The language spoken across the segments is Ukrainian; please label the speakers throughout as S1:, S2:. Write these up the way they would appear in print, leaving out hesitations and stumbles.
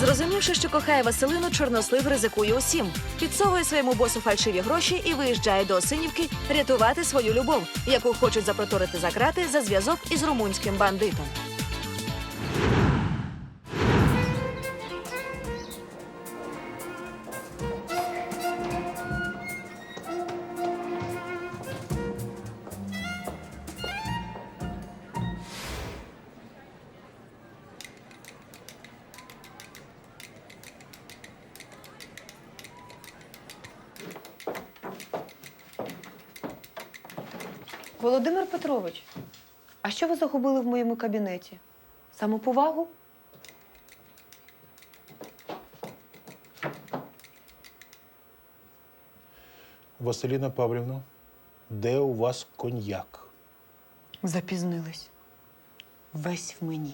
S1: Зрозумівши, що кохає Василину, чорнослив ризикує усім. Підсовує своєму босу фальшиві гроші і виїжджає до Осинівки рятувати свою любов, яку хочуть запроторити за крати за зв'язок із румунським бандитом.
S2: Володимир Петрович, а що ви загубили в моєму кабінеті? Самоповагу?
S3: Василіна Павлівна, де у вас коньяк?
S2: Запізнились. Весь в мені.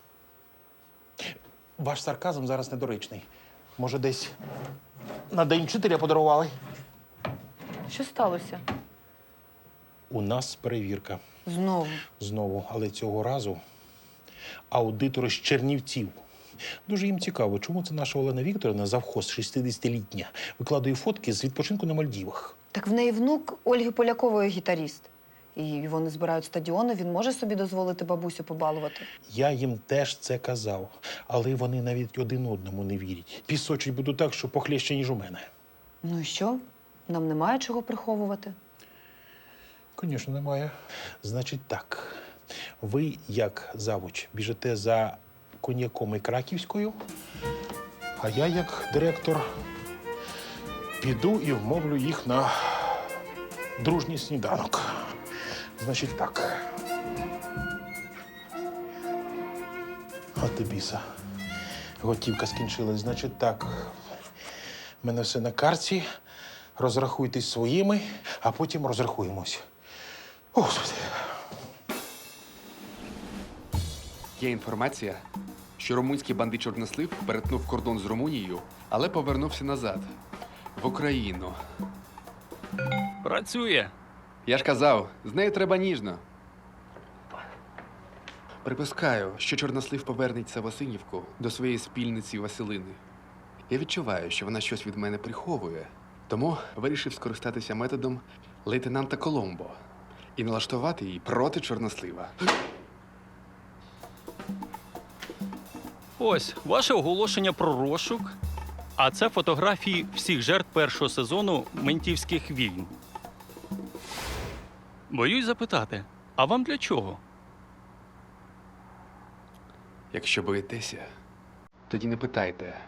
S3: Ваш сарказм зараз недоречний. Може, десь на День вчителя подарували?
S2: Що сталося?
S3: У нас перевірка.
S2: Знову.
S3: Знову, але цього разу аудитори з Чернівців. Дуже їм цікаво, чому це наша Олена Вікторівна, завхоз 60-літня, викладає фотки з відпочинку на Мальдівах.
S2: Так в неї внук Ольги Полякової гітаріст. І вони збирають стадіони, він може собі дозволити бабусю побалувати.
S3: Я їм теж це казав, але вони навіть один одному не вірять. Пісочить буду так, що похлеще, ніж у мене.
S2: Ну і що? Нам немає чого приховувати.
S3: Звісно, немає. Значить так, ви, як завуч, біжите за коньяком і краківською, а я, як директор, піду і вмовлю їх на дружній сніданок. Значить так. От і біса. Готівка скінчилась. Значить так. У мене все на карті. Розрахуйтесь своїми, а потім розрахуємось. О, Господи.
S4: Є інформація, що румунський бандит Чорнослив перетнув кордон з Румунією, але повернувся назад, в Україну.
S5: Працює.
S4: Я ж казав, з нею треба ніжно. Припускаю, що Чорнослив повернеться в Осинівку до своєї спільниці Василини. Я відчуваю, що вона щось від мене приховує, тому вирішив скористатися методом лейтенанта Коломбо і налаштувати її проти Чорнослива.
S5: Ось ваше оголошення про розшук. А це фотографії всіх жертв першого сезону «Ментівських війн». Боюсь запитати, а вам для чого?
S4: Якщо боїтеся, тоді не питайте.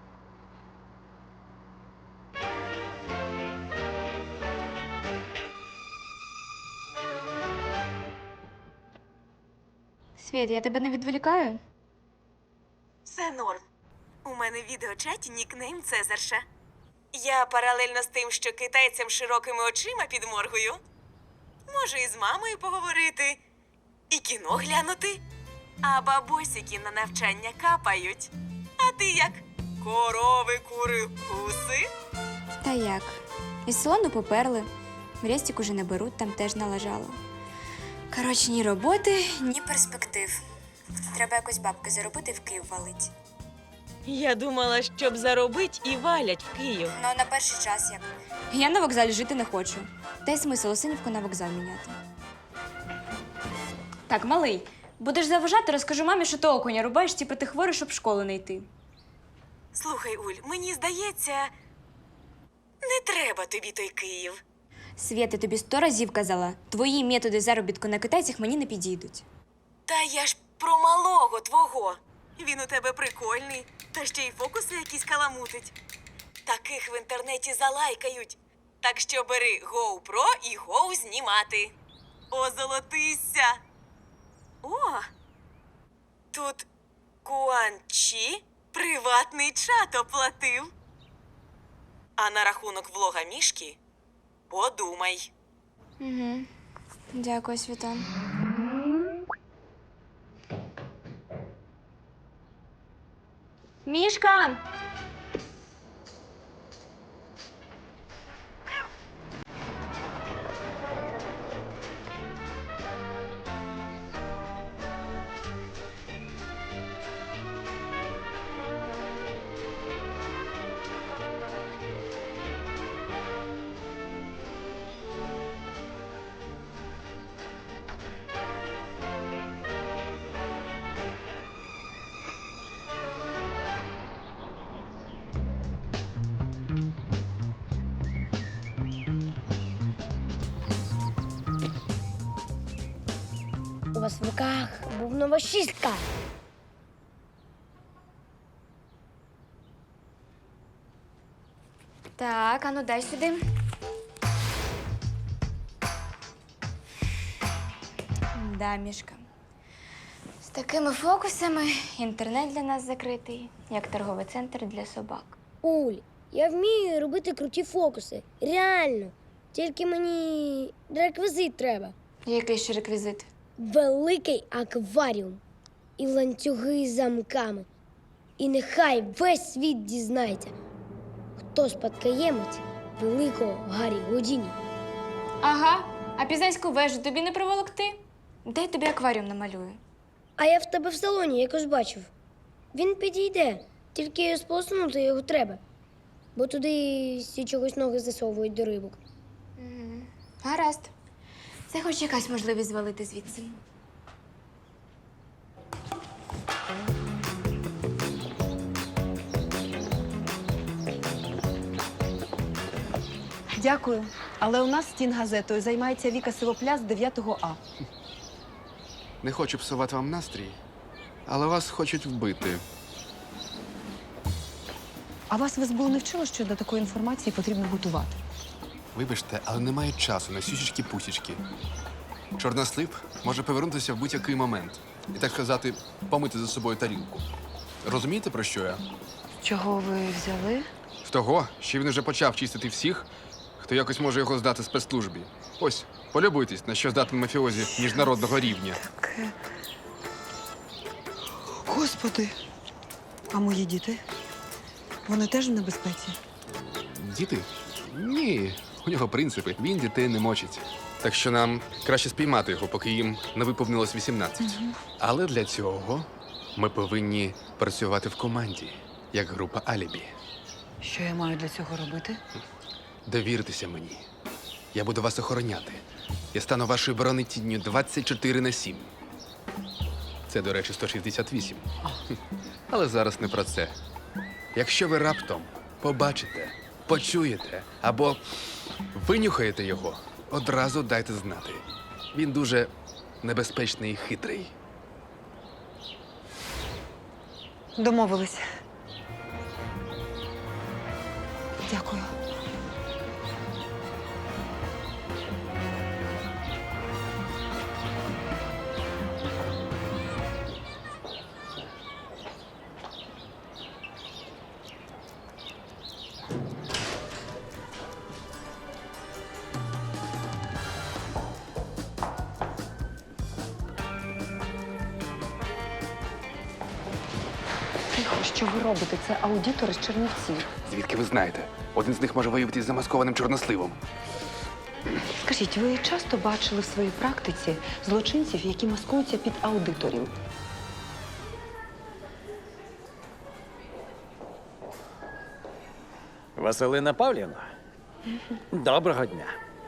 S6: Світ, я тебе не відволікаю?
S7: Все норм. У мене в відеочаті нікнейм Цезарша. Я паралельно з тим, що китайцям широкими очима підморгую, можу і з мамою поговорити, і кіно глянути, а бабусіки на навчання капають. А ти як? Корови, кури, гуси?
S6: Та як? Із салону поперли. В Рестік уже не беруть, там теж налажало. Коротше, ні роботи, ні перспектив. Треба якось бабки заробити, в Київ валить.
S7: Я думала, щоб заробить і валять в Київ.
S6: Ну, на перший час як. Я на вокзалі жити не хочу. Та й смисл Осинівку на вокзал міняти. Так, малий, будеш заважати, розкажу мамі, що ти окуня рубаєш, типу ти хворий, щоб в школу не йти.
S7: Слухай, Уль, мені здається, не треба тобі той Київ.
S6: Свєта, тобі 100 разів казала, твої методи заробітку на китайцях мені не підійдуть.
S7: Та я ж про малого твого. Він у тебе прикольний, та ще й фокуси якісь каламутить. Таких в інтернеті залайкають. Так що бери GoPro і гоу знімати. Озолотися! О! Тут Куанчі приватний чат оплатив. А на рахунок влога Мішки подумай.
S6: Угу. Дякую, Світан. Мішка!
S8: вас в руках бубнова шістка.
S6: Так, ану дай сюди. Да, Мішка. З такими фокусами інтернет для нас закритий, як торговий центр для собак.
S8: Уль, я вмію робити круті фокуси. Реально. Тільки мені реквізит треба.
S6: Який ще реквізит?
S8: Великий акваріум і ланцюги з замками. І нехай весь світ дізнається, хто спадкоємець великого Гаррі Гудіні.
S6: Ага, а пізанську вежу тобі не проволокти? Дай тобі акваріум намалюю.
S8: А я в тебе в салоні якось бачив. Він підійде, тільки сполоснути його треба. Бо туди всі чогось ноги засовують до рибок.
S6: Гаразд. Це хоч якась можливість звалити звідси.
S9: Дякую. Але у нас стінгазетою займається Віка Сивопляс 9 А.
S4: Не хочу псувати вам настрій, але вас хочуть вбити.
S9: А вас в СБУ не вчило, що до такої інформації потрібно готувати?
S4: Вибачте, але немає часу на сюсічки-пусічки. Чорнослив може повернутися в будь-який момент і, так сказати, помити за собою тарілку. Розумієте, про що я?
S9: Чого ви взяли?
S4: З того, що він уже почав чистити всіх, хто якось може його здати спецслужбі. Ось, полюбуйтесь, на що здатний мафіозі міжнародного рівня.
S9: Господи! А мої діти? Вони теж в небезпеці?
S4: Діти? Ні, у нього принципи. Він дітей не мочить. Так що нам краще спіймати його, поки їм не виповнилось 18. Але для цього ми повинні працювати в команді, як група Алібі.
S9: Що я маю для цього робити?
S4: Довіртеся мені. Я буду вас охороняти. Я стану вашою бронетінню 24/7. Це, до речі, 168. Але зараз не про це. Якщо ви раптом побачите, почуєте або винюхаєте його, одразу дайте знати. Він дуже небезпечний і хитрий.
S9: Домовились. Дякую. Тихо, що ви робите? Це аудитори з Чернівців.
S4: Звідки ви знаєте? Один з них може виявитись замаскованим чорносливом.
S9: Скажіть, ви часто бачили в своїй практиці злочинців, які маскуються під аудиторів?
S10: Василина Павлівна, доброго дня.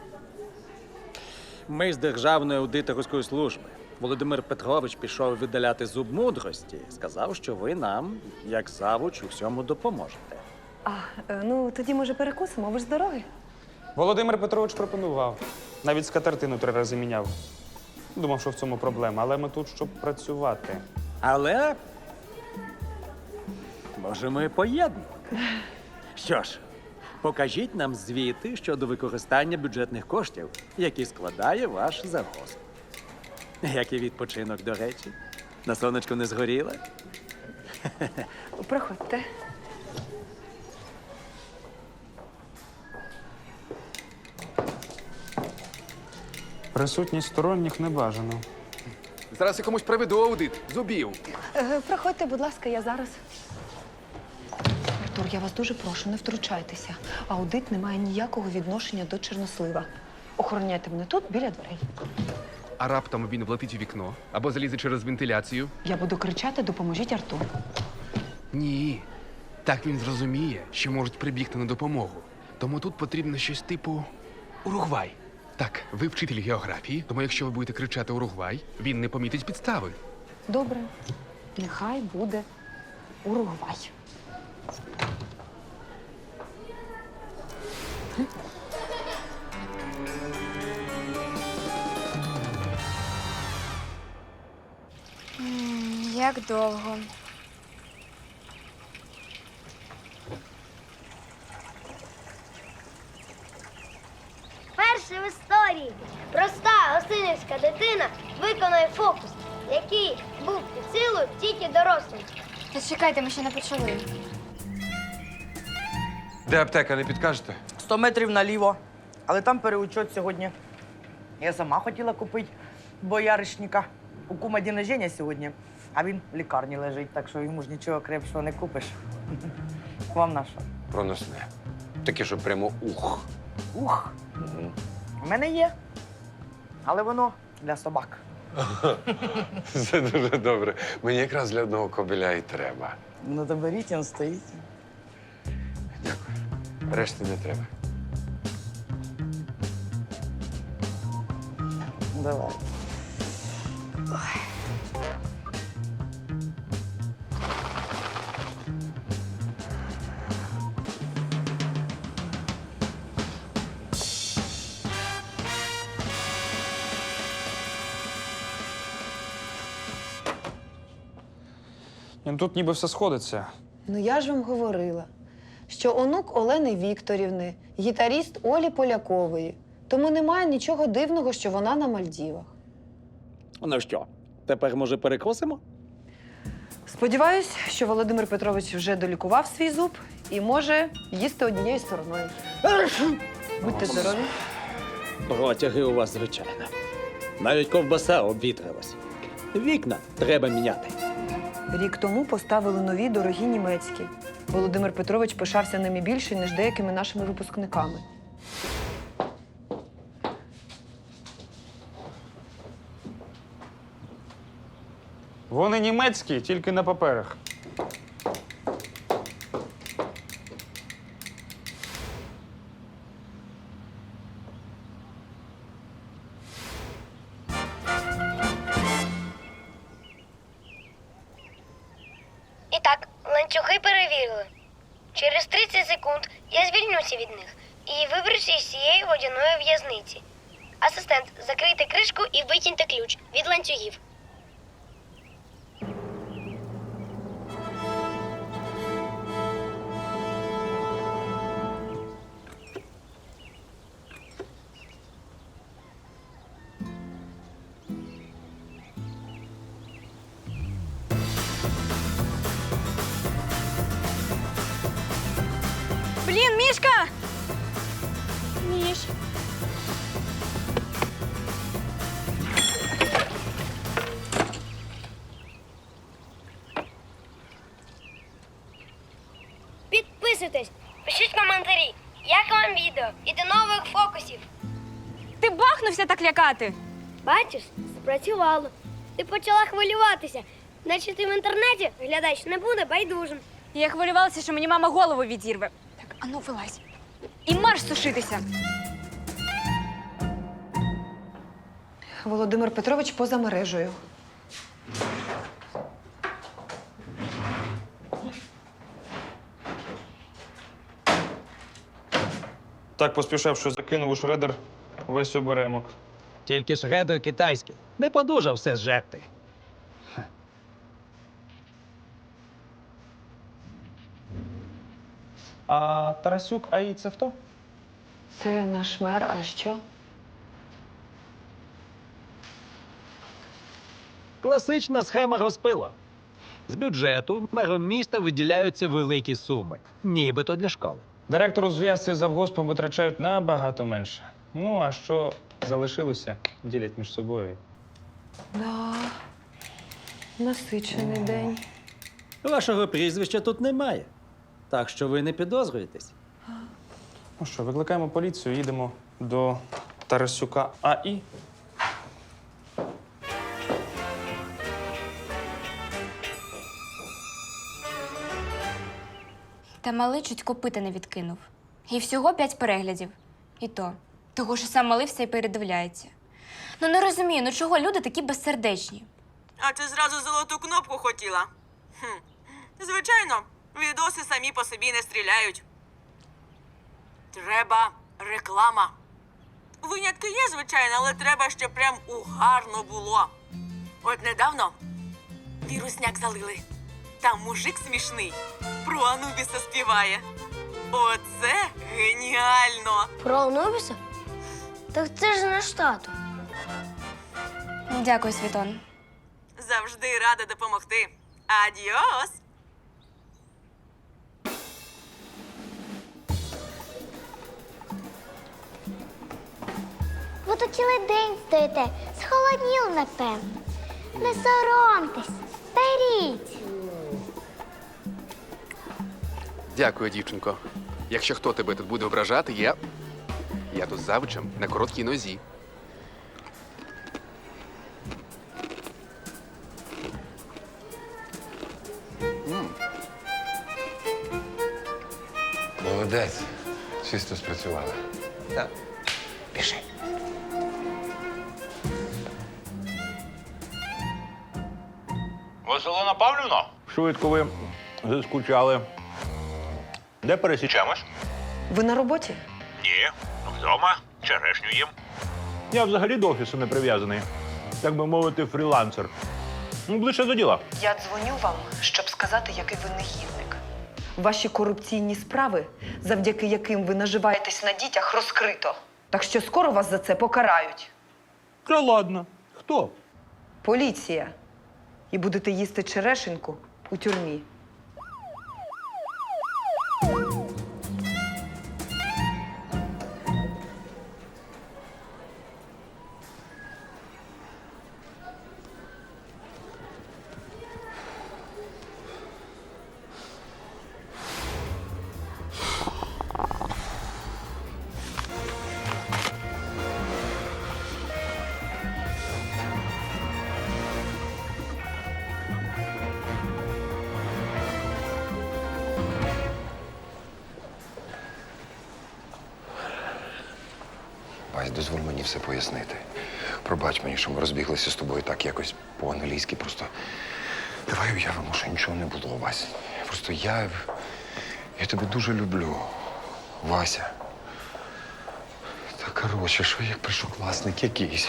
S10: Ми з Державної аудиторської служби. Володимир Петрович пішов видаляти зуб мудрості. Сказав, що ви нам, як завуч, у всьому допоможете.
S9: Ну тоді, може, перекусимо? Ви ж з дороги?
S11: Володимир Петрович пропонував. Навіть скатертину 3 рази міняв. Думав, що в цьому проблема, але ми тут, щоб працювати.
S10: Але можемо і поєднати. Що ж, покажіть нам звіти щодо використання бюджетних коштів, які складає ваш завгосп. Який відпочинок, до речі? На сонечку не згоріла?
S9: Проходьте.
S11: Присутність сторонніх не бажано.
S4: Зараз я комусь проведу аудит зубів.
S9: Проходьте, будь ласка, я зараз. Артур, я вас дуже прошу, не втручайтеся. Аудит не має ніякого відношення до Чорнослива. Охороняйте мене тут, біля дверей.
S4: А раптом він влетить у вікно або залізе через вентиляцію.
S9: Я буду кричати «Допоможіть Артуру».
S4: Ні. Так він зрозуміє, що можуть прибігти на допомогу. Тому тут потрібно щось типу Уругвай. Так, ви вчитель географії, тому якщо ви будете кричати Уругвай, він не помітить підстави.
S9: Добре, нехай буде Уругвай.
S6: Як довго?
S8: Перше в історії проста осинівська дитина виконує фокус, який був під силою тільки дорослим.
S6: Та чекайте, ми ще не почали.
S12: Де аптека, не підкажете?
S13: 100 метрів наліво. Але там переучет сьогодні. Я сама хотіла купити бояришника. У кума день рождення сьогодні, а він в лікарні лежить, так що йому ж нічого крепшого не купиш. Вам на що?
S12: Проносне. Таке, що прямо ух.
S13: Ух, у мене є. Але воно для собак.
S12: Це дуже добре. Мені якраз для одного кобеля і треба.
S13: Ну, то беріть, він стоїть.
S12: Дякую. Решти не треба.
S13: Давай.
S11: Ну, тут ніби все сходиться.
S2: Ну я ж вам говорила, що онук Олени Вікторівни, гітаріст Олі Полякової. Тому немає нічого дивного, що вона на Мальдівах.
S10: Ну що, тепер, може, перекосимо?
S2: Сподіваюсь, що Володимир Петрович вже долікував свій зуб і може їсти однією стороною. Будьте здорові.
S10: Протяги у вас, звичайно. Навіть ковбаса обвітрилась. Вікна треба міняти.
S2: Рік тому поставили нові дорогі німецькі. Володимир Петрович пишався ними більше, ніж деякими нашими випускниками.
S11: Вони німецькі, тільки на паперах.
S8: І так, ланцюги перевірили. Через 30 секунд я звільнюся від них і виберуся із цієї водяної в'язниці. Асистент, закрийте кришку і викиньте ключ від ланцюгів.
S6: Блін, Мішка! Міш.
S8: Підписуйтесь, пишіть коментарі, як вам відео і до нових фокусів.
S6: Ти бахнувся так лякати.
S8: Бачиш, спрацювало. Ти почала хвилюватися. Значить, ти в інтернеті глядач не буде байдужим.
S6: Я хвилювалася, що мені мама голову відірве. Так, ану, вилазь. І марш сушитися.
S2: Володимир Петрович поза мережею.
S11: Так поспішав, що закинув у шредер весь оберемок.
S10: Тільки шредер китайський. Не подужав все зжерти.
S11: А Тарасюк АІ це хто?
S2: Це наш мер, а що?
S10: Класична схема розпила. З бюджету мером міста виділяються великі суми. Нібито для школи.
S11: Директору зв'язки з завгоспом витрачають набагато менше. Ну, а що залишилося, ділять між собою.
S2: Да. Насичений день.
S10: Вашого прізвища тут немає. Так що ви не підозрюєтесь.
S11: Ну що, викликаємо поліцію, їдемо до Тарасюка АІ.
S6: Та малий чуть копита не відкинув. І всього 5 переглядів. І то. Того, що сам малий все й передивляється. Ну не розумію, ну чого люди такі безсердечні?
S7: А ти зразу золоту кнопку хотіла? Звичайно, відоси самі по собі не стріляють. Треба реклама. Винятки є, звичайно, але треба, щоб прям угарно було. От недавно Вірусняк залили. Там мужик смішний про Анубіса співає. Оце геніально!
S8: Про Анубіса? Так це ж наш тато.
S6: Дякую, Світон.
S7: Завжди рада допомогти. Адіос!
S8: Ви тут цілий день стоїте. Схолодніли, напевно. Не соромтесь. Беріть.
S4: Дякую, дівчинко. Якщо хто тебе тут буде ображати, я тут завучем на короткій нозі.
S12: Молодець. Чисто спрацювали. Так. Пішли.
S14: Василина Павлівна? Швидко ви заскучали. Де пересічемось?
S2: Ви на роботі?
S14: Ні, вдома. Черешню їм. Я взагалі до офісу не прив'язаний. Так би мовити, фрілансер. Ну, ближче до діла.
S9: Я дзвоню вам, щоб сказати, який ви негідник. Ваші корупційні справи, завдяки яким ви наживаєтесь на дітях, розкрито. Так що скоро вас за це покарають.
S14: Та ладно. Хто?
S9: Поліція. І будете їсти черешеньку у тюрмі.
S12: Вась, дозволь мені все пояснити. Пробач мені, що ми розбіглися з тобою так якось по-англійськи. Просто давай уявимо, що нічого не було, Вась. Просто я тебе дуже люблю, Вася. Та коротше, що як першокласник якийсь.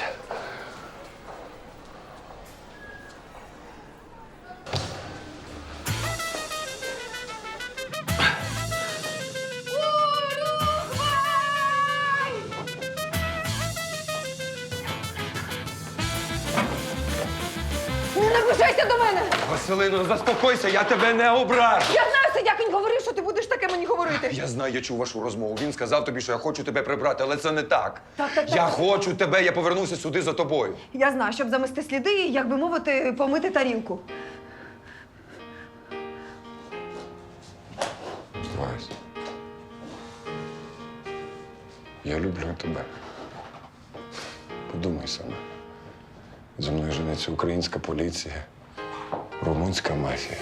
S2: Не наближайся до мене!
S12: Василино, заспокойся, я тебе не ображу.
S2: Я знаю, Сидяк, він говорив, що ти будеш таке мені говорити.
S12: Я знаю, я чув вашу розмову. Він сказав тобі, що я хочу тебе прибрати, але це не так.
S2: Так.
S12: Я хочу тебе, я повернуся сюди за тобою.
S2: Я знаю, щоб замести сліди і, як би мовити, помити тарілку.
S12: Вась, я люблю тебе. Подумай саме. Зі мною жениться українська поліція, румунська мафія.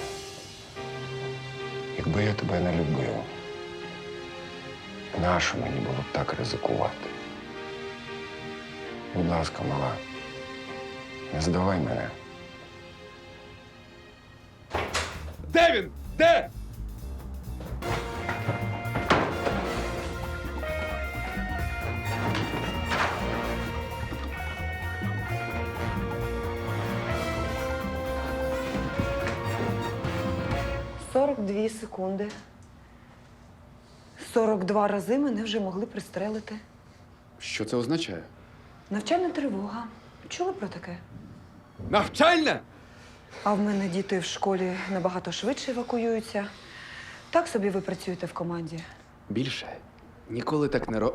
S12: Якби я тебе не любив, нащо мені було б так ризикувати? Будь ласка, мала, не здавай мене.
S4: Де він? Де?
S2: – 42 секунди. 42 рази мене вже могли пристрелити.
S4: Що це означає?
S2: Навчальна тривога. Чули про таке?
S4: Навчальна?
S2: А в мене діти в школі набагато швидше евакуюються. Так собі ви працюєте в команді.
S4: Більше. Ніколи так не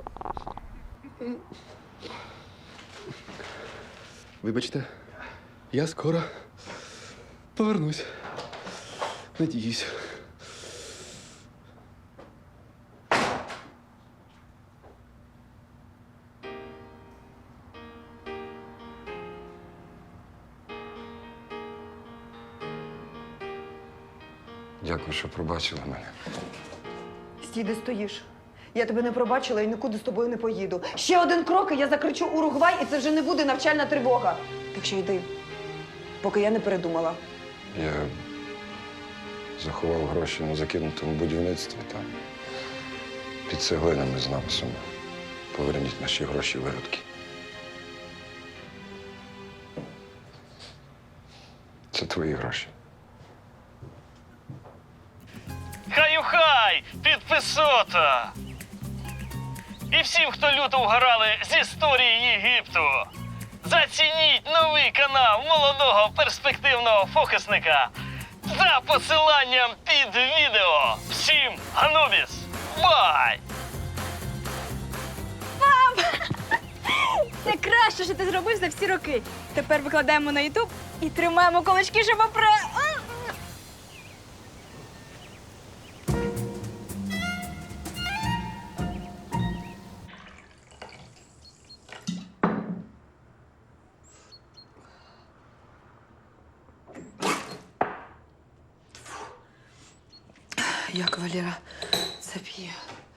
S4: Вибачте, я скоро повернусь. Надіюсь.
S12: Дякую, що пробачила мене.
S2: Стій, де стоїш. Я тебе не пробачила і нікуди з тобою не поїду. Ще один крок, і я закричу Уругвай, і це вже не буде навчальна тривога. Так що йди, поки я не передумала.
S12: Я заховав гроші на закинутому будівництві там. Під цеглинами з написом «Поверніть наші гроші, виродки». Це твої гроші.
S5: Хай-хай! Підписота! І всім, хто люто вгорали з історії Єгипту, зацініть новий канал молодого перспективного фокусника за посиланням під відео. Всім Анубіс! Бай!
S6: Це краще, що ти зробив за всі роки. Тепер викладаємо на Ютуб і тримаємо кулачки, щоб
S2: Як Валера це п'є?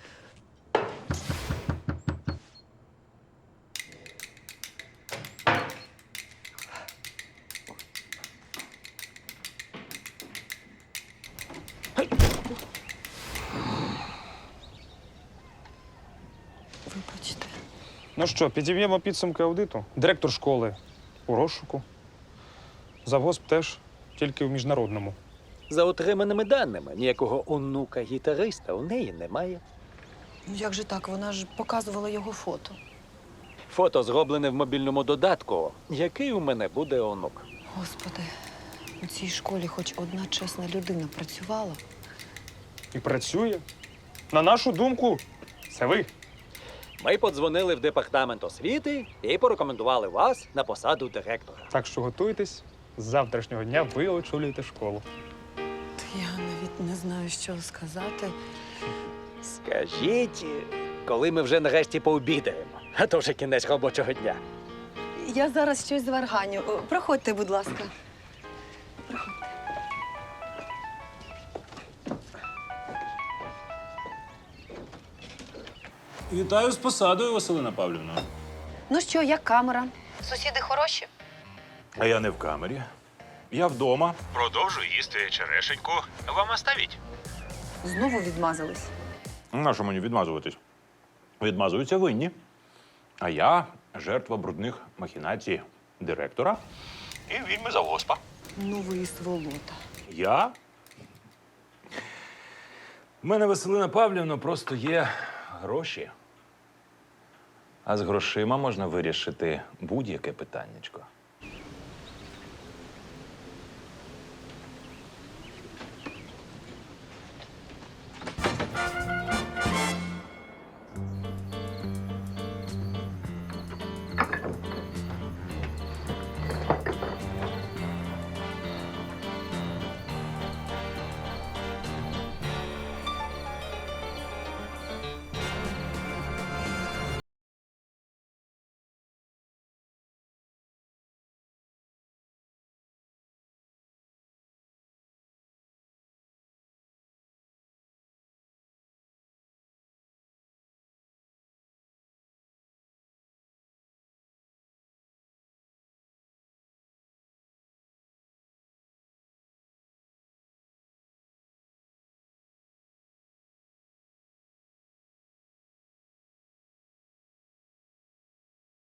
S2: Вибачте.
S11: Ну що, підіб'ємо підсумки аудиту. Директор школи у розшуку. Завгосп теж, тільки в міжнародному.
S10: За отриманими даними, ніякого онука-гітариста у неї немає.
S2: Ну як же так? Вона ж показувала його фото.
S10: Фото зроблене в мобільному додатку. Який у мене буде онук?
S2: Господи, у цій школі хоч одна чесна людина працювала.
S11: І працює. На нашу думку, це ви.
S10: Ми подзвонили в департамент освіти і порекомендували вас на посаду директора.
S11: Так що готуйтесь, з завтрашнього дня ви очолюєте школу.
S2: Я навіть не знаю, що сказати.
S10: Скажіть, коли ми вже нарешті пообідаємо, а то вже кінець робочого дня.
S2: Я зараз щось зварганю. Проходьте, будь ласка.
S14: Вітаю з посадою, Василина Павлівна.
S2: Ну що, як камера? Сусіди хороші?
S14: А я не в камері. Я вдома. Продовжую їсти черешеньку. Вам оставіть?
S2: Знову відмазались.
S14: Нащо мені відмазуватись? Відмазуються винні. А я жертва брудних махінацій директора і відьми завгоспа.
S2: Ну ви і сволота.
S14: Я? У мене, Василина Павлівна, просто є гроші. А з грошима можна вирішити будь-яке питаннячко.